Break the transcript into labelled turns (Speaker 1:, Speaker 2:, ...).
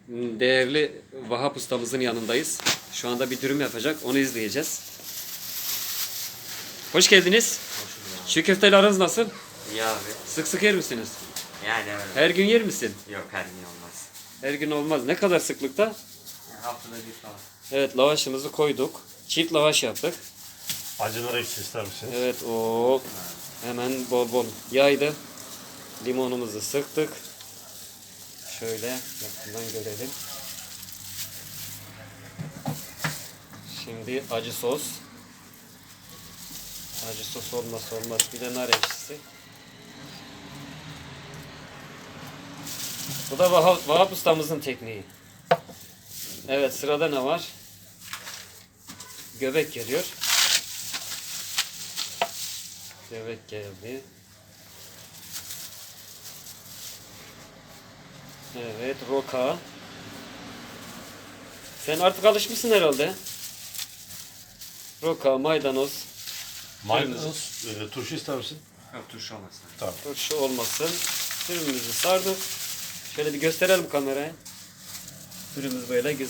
Speaker 1: değerli Vahap ustamızın yanındayız. Şu anda bir dürüm yapacak. Onu izleyeceğiz. Hoş geldiniz. Çiğ köfteyle aranız nasıl?
Speaker 2: İyi abi.
Speaker 1: Sık sık yer misiniz?
Speaker 2: Yani öyle.
Speaker 1: Her gün yer misin?
Speaker 2: Yok her gün olmaz.
Speaker 1: Her gün olmaz. Ne kadar sıklıkta?
Speaker 2: Yani haftada bir falan.
Speaker 1: Evet, lavaşımızı koyduk. Çift lavaş yaptık.
Speaker 3: Acılar ekşi ister misiniz?
Speaker 1: Evet, o hemen bol bol yaydı. Limonumuzu sıktık. Şöyle yakından görelim. Şimdi acı sos. Acı sos olmazsa olmaz. Bir de nar ekşisi. Bu da Vahap ustamızın tekniği. Evet, sırada ne var? Göbek geliyor. Göbek geldi. Evet, roka. Sen artık alışmışsın herhalde. Roka, maydanoz.
Speaker 3: Maydanoz, turşu ister misin?
Speaker 2: Yok turşu olmasın.
Speaker 3: Tamam.
Speaker 1: Turşu olmasın. Dürümümüzü sardık. Şöyle bir gösterelim kameraya. Dürümümüz böyle güzel.